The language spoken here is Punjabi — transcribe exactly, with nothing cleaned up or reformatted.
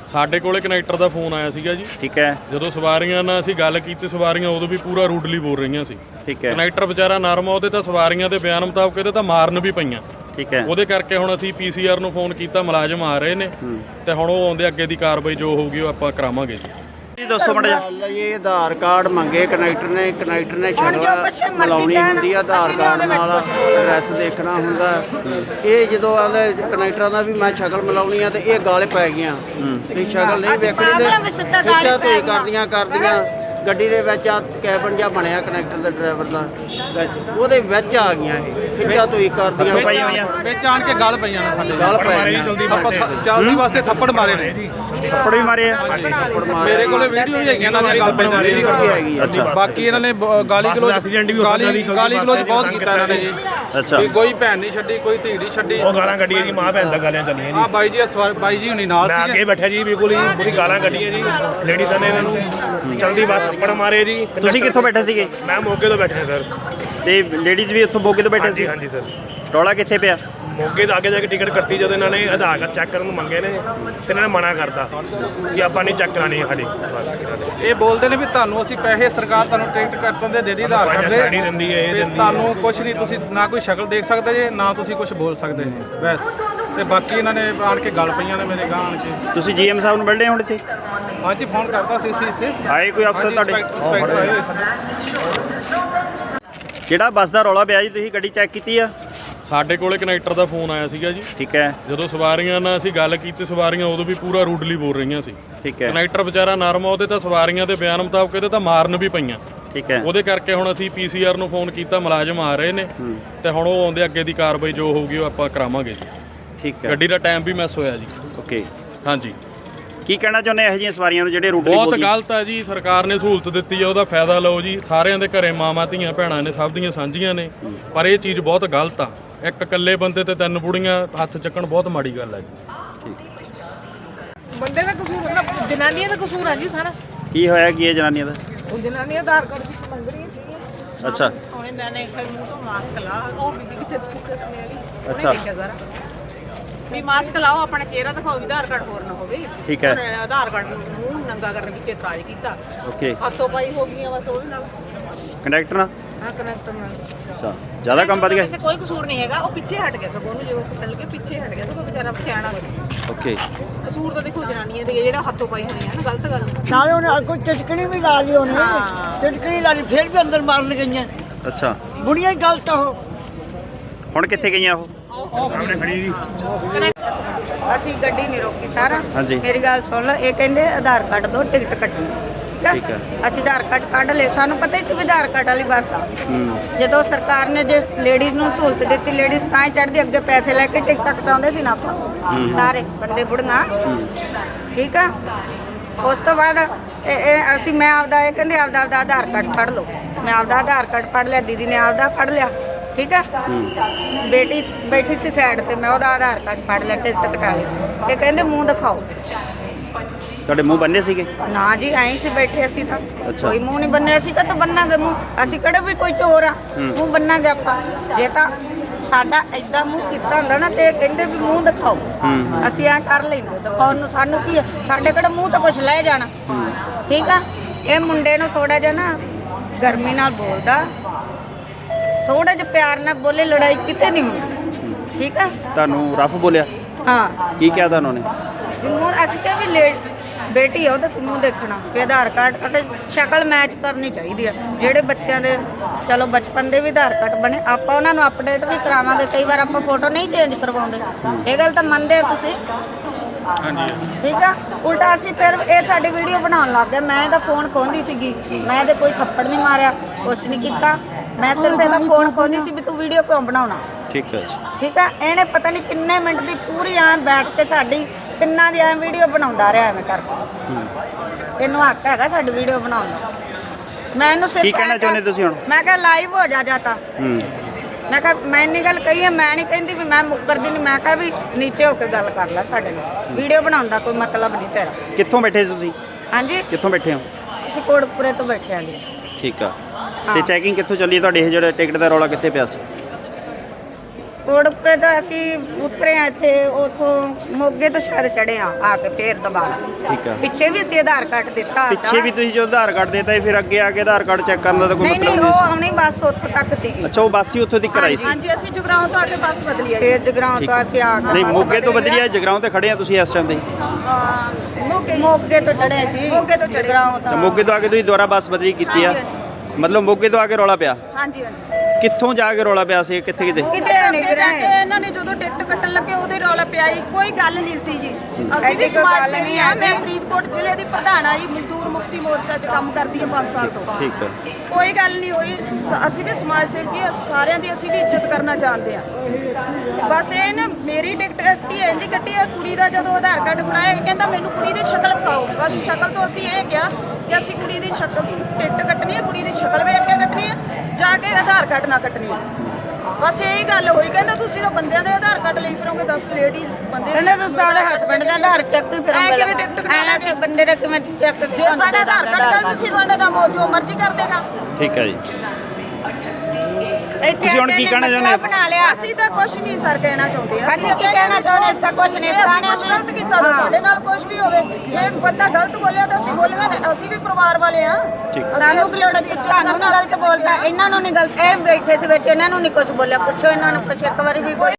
ਸਾਡੇ ਕੋਲੇ ਕਨੈਕਟਰ ਦਾ ਫੋਨ ਆਇਆ ਸੀਗਾ ਜੀ। ਠੀਕ ਹੈ। ਜਦੋਂ ਸਵਾਰੀਆਂ ਨਾਲ ਅਸੀਂ ਗੱਲ ਕੀਤੀ, ਸਵਾਰੀਆਂ ਉਦੋਂ ਵੀ ਪੂਰਾ ਰੂਡਲੀ ਬੋਲ ਰਹੀਆਂ ਸੀ। ਠੀਕ ਹੈ। ਕਨੈਕਟਰ ਵਿਚਾਰਾ ਨਰਮ ਆ, ਉਹਦੇ ਤਾਂ ਸਵਾਰੀਆਂ ਦੇ ਬਿਆਨ ਮੁਤਾਬਕ ਇਹਦੇ ਤਾਂ ਮਾਰਨ ਵੀ ਪਈਆਂ। ਠੀਕ ਹੈ। ਉਹਦੇ ਕਰਕੇ ਹੁਣ ਅਸੀਂ ਪੀਸੀਆਰ ਨੂੰ ਫੋਨ ਕੀਤਾ, ਮੁਲਾਜ਼ਮ ਆ ਰਹੇ ਨੇ ਤੇ ਹੁਣ ਉਹ ਆਉਂਦੇ, ਅੱਗੇ ਦੀ ਕਾਰਵਾਈ ਜੋ ਹੋਊਗੀ ਉਹ ਆਪਾਂ ਕਰਾਵਾਂਗੇ ਜੀ। ਦੱਸੋ ਮੜਾ ਜੀ। ਇਹ ਆਧਾਰ ਕਾਰਡ ਮੰਗੇ ਕਨੈਕਟਰ ਨੇ ਕਨੈਕਟਰ ਨੇ ਸ਼ਕਲ ਮਿਲਾਉਣੀ ਹੁੰਦੀ ਆ, ਆਧਾਰ ਕਾਰਡ ਨਾਲ ਐਡਰੈਸ ਦੇਖਣਾ ਹੁੰਦਾ। ਇਹ ਜਦੋਂ ਆਲੇ ਕਨੈਕਟਰਾਂ ਦਾ ਵੀ ਮੈਂ ਸ਼ਕਲ ਮਿਲਾਉਣੀ ਆ ਤੇ ਇਹ ਗਾਲੇ ਪੈ ਗਈਆਂ ਇਹ ਸ਼ਕਲ ਨਹੀਂ ਵੇਖਣੀ ਤੇ ਖਿੱਚਾ ਧੋਈ ਕਰਦੀਆਂ ਕਰਦੀਆਂ ਗੱਡੀ ਦੇ ਵਿੱਚ ਆ ਕੈਬਨ ਜਿਹਾ ਬਣਿਆ ਕਨੈਕਟਰ ਦੇ ਡਰਾਈਵਰ ਦਾ ਵਿੱਚ, ਉਹਦੇ ਵਿੱਚ ਆ ਗਈਆਂ ਇਹ ਖਿੱਚਾ ਧੋਈ ਕਰਦੀਆਂ ਵਿੱਚ ਆਣ ਕੇ ਗੱਲ ਪਈਆਂ ਨੇ ਸਾਡੇ ਗੱਲ ਪੈ ਚੱਲਦੀ ਵਾਸਤੇ ਥੱਪੜ ਮਾਰੇ ਨੇ ਜੀ। ਥੱਪੜ ਵੀ ਮਾਰੇ ਆ। ਮੇਰੇ ਕੋਲੇ ਵੀਡੀਓ ਵੀ ਹੈਗੀਆਂ ਇਹਨਾਂ ਦੀਆਂ ਗੱਲ ਪਈਆਂ ਨੇ। ਅੱਛਾ। ਬਾਕੀ ਇਹਨਾਂ ਨੇ ਗਾਲੀ ਗਲੋਚ ਗਾਲੀ ਗਾਲੀ ਗਲੋਚ ਬਹੁਤ ਕੀਤਾ ਇਹਨਾਂ ਨੇ ਜੀ। ਅੱਛਾ। ਕੋਈ ਭੈਣ ਨਹੀਂ ਛੱਡੀ, ਕੋਈ ਧੀ ਨਹੀਂ ਛੱਡੀ। ਉਹ ਗਾਲਾਂ ਕੱਢੀਆਂ ਜੀ, ਮਾਂ ਭੈਣ ਦਾ ਗਾਲਾਂ ਚੱਲੀਆਂ ਜੀ। ਆ ਬਾਈ ਜੀ ਬਾਈ ਜੀ ਹੁਣੀ ਨਾਲ ਮੈਂ ਅੱਗੇ ਬੈਠਾ ਜੀ, ਬਿਲਕੁਲ ਹੀ ਪੂਰੀ ਗਾਲਾਂ ਕੱਢੀਆਂ ਜੀ ਲੇਡੀਜ਼ਾਂ ਨੇ ਇਹਨਾਂ ਨੂੰ। ਚਲਦੀ ਬਾਤ ਥੱਪੜ ਮਾਰੇ ਜੀ। ਤੁਸੀਂ ਕਿੱਥੋਂ ਬੈਠੇ ਸੀਗੇ? ਮੈਂ ਮੋਗੇ ਤੋਂ ਬੈਠਾ ਸਰ। ਤੇ ਲੇਡੀਜ਼ ਵੀ ਉੱਥੋਂ ਮੋਗੇ ਤੋਂ ਬੈਠੇ ਸੀ? ਹਾਂਜੀ ਸਰ। ਰੌਲਾ ਕਿੱਥੇ ਪਿਆ? ਮੋਗੇ ਤੋਂ ਅੱਗੇ ਜਾ ਕੇ ਟਿਕਟ ਕੱਟੀ, ਜਦੋਂ ਇਹਨਾਂ ਨੇ ਆਧਾਰ ਕਾਰਡ ਚੈੱਕ ਕਰਨ ਨੂੰ ਮੰਗੇ ਨੇ ਤੇ ਇਹਨਾਂ ਨੇ ਮਨਾ ਕਰਤਾ ਕਿ ਆਪਾਂ ਨਹੀਂ ਚੈੱਕ ਕਰਾਣੀ ਸਾਡੀ। ਬਸ ਇਹ ਬੋਲਦੇ ਨੇ ਵੀ ਤੁਹਾਨੂੰ ਅਸੀਂ ਪੈਸੇ ਸਰਕਾਰ ਤੁਹਾਨੂੰ ਟਿਕਟ ਕੱਟਣ ਦੇ ਦੇ ਦੀ ਆਧਾਰ ਕਾਰਡ ਦੇ ਸਾਡੀ ਦਿੰਦੀ ਹੈ, ਇਹ ਦਿੰਦੀ ਤੁਹਾਨੂੰ ਕੁਝ ਨਹੀਂ, ਤੁਸੀਂ ਨਾ ਕੋਈ ਸ਼ਕਲ ਦੇਖ ਸਕਦੇ ਜੇ ਨਾ ਤੁਸੀਂ ਕੁਝ ਬੋਲ ਸਕਦੇ ਬਸ। ਤੇ ਬਾਕੀ ਇਹਨਾਂ ਨੇ ਆਣ ਕੇ ਗੱਲ ਪਈਆਂ ਨੇ ਮੇਰੇ ਗਾਂ ਆਣ ਕੇ। ਤੁਸੀਂ ਜੀਐਮ ਸਾਹਿਬ ਨੂੰ ਮਿਲਦੇ ਹੁਣ ਇੱਥੇ? ਹਾਂਜੀ ਫੋਨ ਕਰਤਾ ਸੀ ਅਸੀਂ ਇੱਥੇ ਆਏ ਕੋਈ ਅਫਸਰ ਤੁਹਾਡੇ? ਇੰਸਪੈਕਟਰ ਆਏ ਹੋਏ ਸਾਡੇ। ਕਿਹੜਾ ਬੱਸ ਦਾ ਰੌਲਾ ਪਿਆ ਜੀ? ਤੁਸੀਂ ਗੱਡੀ ਚੈੱਕ ਕੀਤੀ ਆ? ਸਾਡੇ ਕੋਲੇ ਕਨੈਕਟਰ ਦਾ ਫੋਨ ਆਇਆ ਸੀਗਾ ਜੀ। ਠੀਕ ਹੈ। ਜਦੋਂ ਸਵਾਰੀਆਂ ਨਾਲ ਅਸੀਂ ਗੱਲ ਕੀਤੀ, ਸਵਾਰੀਆਂ ਉਦੋਂ ਵੀ ਪੂਰਾ ਰੂਡਲੀ ਬੋਲ ਰਹੀਆਂ ਸੀ। ਠੀਕ ਹੈ। ਕਨੈਕਟਰ ਵਿਚਾਰਾ ਨਰਮ ਆ, ਉਹਦੇ ਤਾਂ ਸਵਾਰੀਆਂ ਦੇ ਬਿਆਨ ਮੁਤਾਬਕ ਇਹਦੇ ਤਾਂ ਮਾਰਨ ਵੀ ਪਈਆਂ। ਠੀਕ ਹੈ। ਉਹਦੇ ਕਰਕੇ ਹੁਣ ਅਸੀਂ ਪੀਸੀਆਰ ਨੂੰ ਫੋਨ ਕੀਤਾ, ਮੁਲਾਜ਼ਮ ਆ ਰਹੇ ਨੇ ਤੇ ਹੁਣ ਉਹ ਆਉਂਦੇ, ਅੱਗੇ ਦੀ ਕਾਰਵਾਈ ਜੋ ਹੋਊਗੀ ਉਹ ਆਪਾਂ ਕਰਾਵਾਂਗੇ ਜੀ। ਠੀਕ ਹੈ। ਗੱਡੀ ਦਾ ਟਾਈਮ ਵੀ ਮਿਸ ਹੋਇਆ ਜੀ। ਓਕੇ। ਹਾਂਜੀ। ਕੀ ਕਹਿਣਾ ਚਾਹੁੰਦੇ ਇਹੋ ਜਿਹੀਆਂ ਸਵਾਰੀਆਂ ਨੂੰ ਜਿਹੜੇ ਰੂਟਲੀ ਬਹੁਤ ਬੋਲਦੀਆਂ? ਗਲਤ ਹੈ ਜੀ। ਸਰਕਾਰ ਨੇ ਸਹੂਲਤ ਦਿੱਤੀ ਹੈ, ਉਹਦਾ ਫਾਇਦਾ ਲਓ ਜੀ। ਸਾਰਿਆਂ ਦੇ ਘਰੇ ਮਾਵਾਂ ਧੀਆਂ ਭੈਣਾਂ ਨੇ, ਸਭ ਦੀਆਂ ਸਾਂਝੀਆਂ ਨੇ, ਪਰ ਇਹ ਚੀਜ਼ ਬਹੁਤ ਗਲਤ ਆ। ਇੱਕ ਇਕੱਲੇ ਬੰਦੇ ਤੇ ਤਿੰਨ ਬੁੜੀਆਂ ਹੱਥ ਚੱਕਣ ਬਹੁਤ ਮਾੜੀ ਗੱਲ ਹੈ ਜੀ। ਬੰਦੇ ਦਾ ਕਸੂਰ ਮਤਲਬ ਜਨਾਨੀਆਂ ਦਾ ਕਸੂਰ ਆ ਜੀ ਸਾਰਾ। ਕੀ ਹੋਇਆ ਕੀ ਹੈ ਜਨਾਨੀਆਂ ਦਾ? ਉਹ ਜਨਾਨੀਆਂ ਆਧਾਰ ਕਾਰਡ ਦੀ ਮੰਗ ਰਹੀਆਂ ਸੀ। ਅੱਛਾ। ਉਹਨੇ ਦਾਨੇ ਫਿਰ ਮੂੰਹ ਤੋਂ ਮਾਸਕ ਲਾ, ਉਹ ਬੀਬੀ ਕਿੱਥੇ ਕਿੱਥੇ ਸਮੇਂ ਵਾਲੀ। ਅੱਛਾ। ਦੇਖਿਆ ਜ਼ਰਾ ਵੀ ਮਾਸਕ ਲਾਓ, ਆਪਣਾ ਚਿਹਰਾ ਦਿਖਾਓ, ਵੀ ਆਧਾਰ ਕਾਰਡ ਹੋਰ ਨਾ ਹੋਵੇ। ਠੀਕ ਹੈ। ਉਹਨੇ ਆਧਾਰ ਕਾਰਡ ਨੂੰ ਮੂੰਹ ਨੰਗਾ ਕਰਨ ਵਿੱਚ ਇਤਰਾਜ਼ ਕੀਤਾ। ਓਕੇ। ਹੱਥੋਂ ਪਾਈ ਹੋ ਗਈਆਂ ਬਸ ਉਹਦੇ ਨਾਲ। ਕੰਡਕਟਰ ਨਾਲ? ਹਾਂ ਕਨੈਕਟਰ ਨਾਲ। ਅੱਛਾ। ਜ਼ਿਆਦਾ ਕੰਮ ਵੱਧ ਗਿਆ? ਕਿਸੇ ਕੋਈ ਕਸੂਰ ਨਹੀਂ ਹੈਗਾ, ਉਹ ਪਿੱਛੇ ਹਟ ਗਿਆ ਸਗੋਂ, ਉਹਨੂੰ ਜਦੋਂ ਕੁੱਟਣ ਲੱਗੇ ਪਿੱਛੇ ਹਟ ਗਿਆ ਸਗੋਂ, ਵਿਚਾਰਾ ਸਿਆਣਾ ਸੀ। ਓਕੇ। ਕਸੂਰ ਤਾਂ ਦੇਖੋ ਜਨਾਨੀਆਂ ਦੇ, ਜਿਹੜਾ ਹੱਥੋਂ ਪਾਈ ਹੋਣੀ ਹੈ ਨਾ, ਗਲਤ ਗੱਲ। ਨਾਲੇ ਉਹਨੇ ਕੋਈ ਟਿਟਕਣੀ ਵੀ ਲਾ ਲਈ, ਉਹਨੇ ਟਿਟਕਣੀ ਲਾ ਲਈ, ਫਿਰ ਵੀ ਅੰਦਰ ਮਾਰਨ ਗਈਆਂ। ਅੱਛਾ। ਬੁੜੀਆਂ ਹੀ ਗਲਤ ਆ ਉਹ। ਹੁਣ ਕਿੱਥੇ ਗਈਆਂ ਉਹ? ਸਾਹਮਣੇ ਖੜੀ ਜੀ। ਅਸੀਂ ਗੱਡੀ ਨਹੀਂ ਰੋਕੀ ਸਾਰਾ। ਹਾਂਜੀ। ਮੇਰੀ ਗੱਲ ਸੁਣ ਲਓ, ਇਹ ਕਹਿੰਦੇ ਆਧਾਰ ਕਾਰਡ ਦੋ, ਟਿਕਟ ਕੱਟਣੀ। ਠੀਕ ਠੀਕ ਹੈ। ਹੈ। ਅਸੀਂ ਆਧਾਰ ਕਾਰਡ ਕੱਢ ਲਏ, ਸਾਨੂੰ ਪਤਾ ਹੀ ਸੀ ਵੀ ਆਧਾਰ ਕਾਰਡ ਵਾਲੀ ਬੱਸ ਆ। ਜਦੋਂ ਸਰਕਾਰ ਨੇ ਜੇ ਲੇਡੀਜ਼ ਨੂੰ ਸਹੂਲਤ ਦਿੱਤੀ, ਲੇਡੀਜ਼ ਤਾਂ ਹੀ ਚੜ੍ਹਦੀ, ਅੱਗੇ ਪੈਸੇ ਲੈ ਕੇ ਟਿਕਟਾਂ ਕਟਾਉਂਦੇ ਸੀ ਨਾ ਆਪਾਂ ਸਾਰੇ ਬੰਦੇ ਬੁੜੀਆਂ। ਠੀਕ ਆ। ਉਸ ਤੋਂ ਬਾਅਦ ਇਹ ਇਹ ਅਸੀਂ ਮੈਂ ਆਪਦਾ ਇਹ ਕਹਿੰਦੇ ਆਪਦਾ ਆਪਦਾ ਆਧਾਰ ਕਾਰਡ ਫੜ ਲਓ। ਮੈਂ ਆਪਦਾ ਆਧਾਰ ਕਾਰਡ ਫੜ ਲਿਆ, ਦੀਦੀ ਨੇ ਆਪਦਾ ਫੜ ਲਿਆ। ਠੀਕ ਆ। ਬੇਟੀ ਬੈਠੀ ਸੀ ਸਾਈਡ ਤੇ, ਮੈਂ ਉਹਦਾ ਆਧਾਰ ਕਾਰਡ ਫੜ ਲਿਆ, ਟਿਕਟ ਕਟਾ ਲਈ। ਇਹ ਕਹਿੰਦੇ ਮੂੰਹ ਦਿਖਾਓ। ਤੁਹਾਡੇ ਮੂੰਹ ਬੰਨੇ ਸੀਗੇ? ਨਾ ਜੀ, ਐਂ ਸੀ ਬੈਠੇ ਅਸੀਂ ਤਾਂ। ਅੱਛਾ। ਕੋਈ ਮੂੰਹ ਨਹੀਂ ਬੰਨਿਆ ਸੀ। ਕਦੋਂ ਬੰਨਾਂਗੇ ਮੂੰਹ? ਅਸੀਂ ਕਿਹੜੇ ਵੀ ਕੋਈ ਚੋਰ ਆ ਮੂੰਹ ਬੰਨਾਂਗੇ ਆਪਾਂ? ਜੇ ਤਾਂ ਸਾਡਾ ਐਦਾਂ ਮੂੰਹ ਕੀਤਾ ਹੁੰਦਾ ਨਾ ਤੇ ਇਹ ਕਹਿੰਦੇ ਵੀ ਮੂੰਹ ਦਿਖਾਓ, ਅਸੀਂ ਐਂ ਕਰ ਲੈਂਦੇ। ਦਿਖਾਉਣ ਨੂੰ ਸਾਨੂੰ ਕੀ ਆ? ਸਾਡੇ ਕਿਹੜਾ ਮੂੰਹ ਤਾਂ ਕੁਛ ਲੈ ਜਾਣਾ। ਠੀਕ ਆ। ਇਹ ਮੁੰਡੇ ਨੂੰ ਥੋੜਾ ਜਿਹਾ ਨਾ ਗਰਮੀ ਨਾਲ ਬੋਲਦਾ, ਥੋੜਾ ਜਿਹਾ ਪਿਆਰ ਨਾਲ ਬੋਲੇ, ਲੜਾਈ ਕਿਤੇ ਨਹੀਂ ਹੁੰਦੀ। ਠੀਕ ਆ। ਤੁਹਾਨੂੰ ਰਫ ਬੋਲਿਆ? ਹਾਂ। ਕੀ ਕਿਹਾ ਤੁਹਾਨੂੰ ਨੇ? ਮੂੰਹ ਅਸੀਂ ਕਿਹਾ ਵੀ ਲੇਟ ਬੇਟੀ ਆ, ਉਹਦਾ ਮੂੰਹ ਦੇਖਣਾ ਵੀ ਆਧਾਰ ਕਾਰਡ ਅਤੇ ਸ਼ਕਲ ਮੈਚ ਕਰਨੀ ਚਾਹੀਦੀ ਆ। ਜਿਹੜੇ ਬੱਚਿਆਂ ਦੇ ਚਲੋ ਬਚਪਨ ਦੇ ਵੀ ਆਧਾਰ ਕਾਰਡ ਬਣੇ, ਆਪਾਂ ਉਹਨਾਂ ਨੂੰ ਅਪਡੇਟ ਵੀ ਕਰਾਵਾਂਗੇ। ਕਈ ਵਾਰ ਆਪਾਂ ਫੋਟੋ ਨਹੀਂ ਚੇਂਜ ਕਰਵਾਉਂਦੇ, ਇਹ ਗੱਲ ਤਾਂ ਮੰਨਦੇ ਤੁਸੀਂ? ਹਾਂਜੀ। ਠੀਕ ਆ। ਉਲਟਾ ਅਸੀਂ ਫਿਰ ਇਹ ਸਾਡੀ ਵੀਡੀਓ ਬਣਾਉਣ ਲੱਗ ਗਏ। ਮੈਂ ਇਹਦਾ ਫੋਨ ਖੋਹਦੀ ਸੀਗੀ, ਮੈਂ ਇਹਦੇ ਕੋਈ ਥੱਪੜ ਨਹੀਂ ਮਾਰਿਆ, ਕੁਛ ਨਹੀਂ ਕੀਤਾ। ਮੈਂ ਸਿਰਫ ਇਹਦਾ ਫੋਨ ਖੋਹਦੀ ਸੀ ਵੀ ਤੂੰ ਵੀਡੀਓ ਕਿਉਂ ਬਣਾਉਣਾ। ਠੀਕ ਹੈ। ਠੀਕ ਆ। ਇਹਨੇ ਪਤਾ ਨਹੀਂ ਕਿੰਨੇ ਮਿੰਟ ਦੀ ਪੂਰੀ ਐਂ ਬੈਠ ਕੇ ਸਾਡੀ ਤਿੰਨਾਂ ਦੀ ਐਂ ਵੀਡੀਓ ਬਣਾਉਂਦਾ ਰਿਹਾ ਐਵੇਂ ਕਰਕੇ। ਇਹਨੂੰ ਹੱਕ ਹੈਗਾ ਸਾਡੀ ਵੀਡੀਓ ਬਣਾਉਣ ਦਾ। ਮੈਂ ਇਹਨੂੰ ਸਿਰਫ ਕੀ ਕਹਿਣਾ ਚਾਹੁੰਦੇ ਤੁਸੀਂ ਹੁਣ? ਮੈਂ ਕਿਹਾ ਲਾਈਵ ਹੋ ਜਾ ਜਾਤਾ। ਮੈਂ ਕਿਹਾ ਮੈਂ ਇੰਨੀ ਗੱਲ ਕਹੀ ਹੈ, ਮੈਂ ਨਹੀਂ ਕਹਿੰਦੀ ਵੀ ਮੈਂ ਮੁੱਕਰਦੀ ਨਹੀਂ। ਮੈਂ ਕਿਹਾ ਵੀ ਨੀਚੇ ਹੋ ਕੇ ਗੱਲ ਕਰ ਲੈ ਸਾਡੇ ਨਾਲ, ਵੀਡੀਓ ਬਣਾਉਣ ਦਾ ਕੋਈ ਮਤਲਬ ਨਹੀਂ ਤੇਰਾ। ਕਿੱਥੋਂ ਬੈਠੇ ਸੀ ਤੁਸੀਂ? ਹਾਂਜੀ। ਕਿੱਥੋਂ ਬੈਠੇ ਹੋ? ਅਸੀਂ ਕੋਟਕਪੁਰੇ ਤੋਂ ਬੈਠੇ ਹਾਂ ਜੀ। ਠੀਕ ਆ। ਤੇ ਚੈਕਿੰਗ ਕਿੱਥੋਂ ਚੱਲੀ ਤੁਹਾਡੀ? ਇਹ ਜਿਹੜਾ ਟਿਕਟ ਦਾ ਰੌਲਾ ਕਿੱਥੇ ਪਿਆ ਸੀ? ਕੋੜਪੇ ਤੋਂ ਅਸੀਂ ਉਤਰੇ ਆ ਇੱਥੇ ਉਥੋਂ ਮੋਗੇ ਤੋਂ ਸ਼ਾਇਦ ਚੜੇ ਆ ਆ ਕੇ ਫੇਰ ਦੁਬਾਰਾ ਠੀਕ ਆ ਪਿੱਛੇ ਵੀ ਅਸੀਂ ਆਧਾਰ ਕਾਰਡ ਦਿੱਤਾ ਪਿੱਛੇ ਵੀ ਤੁਸੀਂ ਜੋ ਆਧਾਰ ਕਾਰਡ ਦੇਤਾ ਸੀ, ਫਿਰ ਅੱਗੇ ਆ ਕੇ ਆਧਾਰ ਕਾਰਡ ਚੈੱਕ ਕਰਨ ਦਾ ਤਾਂ ਕੋਈ ਨਹੀਂ ਮਤਲਬ ਨਹੀਂ ਨਹੀਂ ਉਹ ਸੀ। ਆਉਣੀ ਬੱਸ ਉੱਥੋਂ ਤੱਕ ਸੀਗੀ ਅੱਛਾ, ਉਹ ਬੱਸ ਹੀ ਉੱਥੋਂ ਤੱਕ ਆਈ ਸੀ। ਹਾਂਜੀ ਅਸੀਂ ਜਗਰਾਉਂ ਤੋਂ ਆ ਕੇ ਬੱਸ ਬਦਲੀ ਆ ਫੇਰ ਜਗਰਾਉਂ ਤੋਂ ਅਸੀਂ ਆ ਕੇ ਨਹੀਂ, ਬੱਸ ਮੋਗੇ ਤੋਂ ਬਦਲੀ ਬਦਲੀ ਆ, ਜਗਰਾਉਂ ਤੇ ਖੜੇ ਆ ਤੁਸੀਂ ਇਸ ਟਾਈਮ ਤੇ। ਮੋਗੇ ਮੋਗੇ ਤੋਂ ਚੜੇ ਸੀ ਮੋਗੇ ਤੋਂ ਚੜੇ। ਜਗਰਾਉਂ ਤਾਂ ਤੋਂ ਮੋਗੇ ਤੋਂ ਆ ਕੇ ਤੁਸੀਂ ਦੁਬਾਰਾ ਬੱਸ ਬਦਲੀ ਕੀਤੀ ਆ, ਮਤਲਬ ਮੋਗੇ ਤੋਂ ਆ ਕੇ ਰੌਲਾ ਪਿਆ। ਹਾਂਜੀ ਹਾਂਜੀ ਕਿੱਥੋਂ ਜਾ ਕੇ ਰੌਲਾ ਪਿਆ ਸੀ, ਕਿੱਥੇ ਕਿਤੇ? ਕਿਤੇ ਨਹੀਂ ਅੱਗੇ ਜਾ ਕੇ ਗਏ ਇਹਨਾਂ ਨੇ ਜਦੋਂ ਟਿਕਟ ਕੱਟਣ ਲੱਗੇ ਉਹਦੇ ਰੌਲਾ ਪਿਆ ਜੀ, ਕੋਈ ਗੱਲ ਨਹੀਂ ਸੀ ਜੀ। ਅਸੀਂ ਐਡੀ ਵੀ ਕੋਈ ਸਮਾਜ ਗੱਲ ਸੇਵੀ ਨਹੀਂ ਆ, ਹੈਗੀ। ਮੈਂ ਫਰੀਦਕੋਟ ਜ਼ਿਲ੍ਹੇ ਦੀ ਪ੍ਰਧਾਨ ਆ ਜੀ, ਮਜ਼ਦੂਰ ਮੁਕਤੀ ਮੋਰਚਾ 'ਚ ਕੰਮ ਕਰਦੀ ਹਾਂ ਪੰਜ ਸਾਲ ਤੋਂ। ਠੀਕ ਹੈ। ਕੋਈ ਗੱਲ ਨਹੀਂ ਹੋਈ, ਸ- ਅਸੀਂ ਵੀ ਸਮਾਜ ਸੇਵੀ ਆ, ਸਾਰਿਆਂ ਦੀ ਅਸੀਂ ਵੀ ਇੱਜ਼ਤ ਕਰਨਾ ਜਾਣਦੇ ਆ। ਬਸ ਇਹ ਨਾ ਮੇਰੀ ਟਿਕਟ ਕੱਟੀ ਇਹਦੀ ਕੱਟੀ ਆ, ਕੁੜੀ ਦਾ ਜਦੋਂ ਆਧਾਰ ਕਾਰਡ ਫੜਾਇਆ ਇਹ ਕਹਿੰਦਾ ਮੈਨੂੰ ਕੁੜੀ ਦੀ ਸ਼ਕਲ ਵਿਖਾਓ। ਬਸ ਸ਼ਕਲ ਤੋਂ ਅਸੀਂ ਇਹ ਕਿਹਾ ਕਿ ਅਸੀਂ ਕੁੜੀ ਦੀ ਸ਼ਕਲ ਤੋਂ ਟਿਕਟ ਕੱਟਣੀ ਹੈ, ਕੁੜੀ ਦੀ ਸ਼ਕਲ ਵੇਖ ਕੇ ਕੱਟਣੀ ਹੈ, ਜਾ ਕੇ ਆਧਾਰ ਕਾਰਡ ਨਾ ਕੱਟਣੀ ਹੈ। ਬਸ ਇਹੀ ਗੱਲ ਹੋਈ। ਕਹਿੰਦਾ ਤੁਸੀਂ ਤਾਂ ਬੰਦਿਆਂ ਦੇ ਆਧਾਰ ਕਾਰਡ ਲਈ ਫਿਰੋਗੇ, ਦਸ ਲੇਡੀ ਬੰਦੇ ਕਹਿੰਦੇ ਤੁਸੀਂ ਆਪਣੇ ਹਸਬੰਡ ਦਾ ਆਧਾਰ ਚੈੱਕ ਹੀ ਐਂ ਕਿਵੇਂ ਟਿਕਟ ਕਟਾ ਐਂ ਅਸੀਂ ਬੰਦੇ ਦਾ ਕਿਵੇਂ ਚੈੱਕ ਜੇ ਸਾਡਾ ਆਧਾਰ ਕਾਰਡ ਗਲਤ ਸੀ ਸਾਡਾ ਕੰਮ ਉਹ ਜੋ ਮਰਜ਼ੀ ਕਰ ਦੇਗਾ। ਠੀਕ ਹੈ ਜੀ। ਇੱਥੇ ਤੁਸੀਂ ਹੁਣ ਕੀ ਕਹਿਣਾ ਚਾਹੁੰਦੇ ਹੋ? ਬਣਾ ਲਿਆ ਅਸੀਂ ਤਾਂ ਕੁਝ ਨਹੀਂ ਸਰ ਕਹਿਣਾ ਚਾਹੁੰਦੇ। ਅਸੀਂ ਕੀ ਕਹਿਣਾ ਚਾਹੁੰਦੇ ਇਸ ਤਾਂ ਕੁਛ ਨਹੀਂ ਜੇ ਅਸੀਂ ਸਿਖਾਉਣਾ ਕੁਛ ਗਲਤ ਕੀਤਾ ਤਾਂ ਸਾਡੇ ਨਾਲ ਕੁਝ ਵੀ ਹੋਵੇ। ਜੇ ਬੰਦਾ ਗਲਤ ਬੋਲਿਆ ਤਾਂ ਅਸੀਂ ਬੋਲਣਾ ਨਹੀਂ, ਅਸੀਂ ਵੀ ਪਰਿਵਾਰ ਵਾਲੇ ਆ। ਸਾਨੂੰ ਕੀ ਲੋੜ ਹੈ ਤੁਹਾਨੂੰ ਨਹੀਂ ਗਲਤ ਬੋਲਦਾ ਇਹਨਾਂ ਨੂੰ ਨਹੀਂ ਗਲਤ ਇਹ ਬੈਠੇ ਸੀ ਵਿੱਚ ਇਹਨਾਂ ਨੂੰ ਨਹੀਂ ਕੁਝ ਬੋਲਿਆ ਪੁੱਛੋ ਇਹਨਾਂ ਨੂੰ ਕੁਛ ਇੱਕ ਵਾਰੀ ਵੀ ਕੋਈ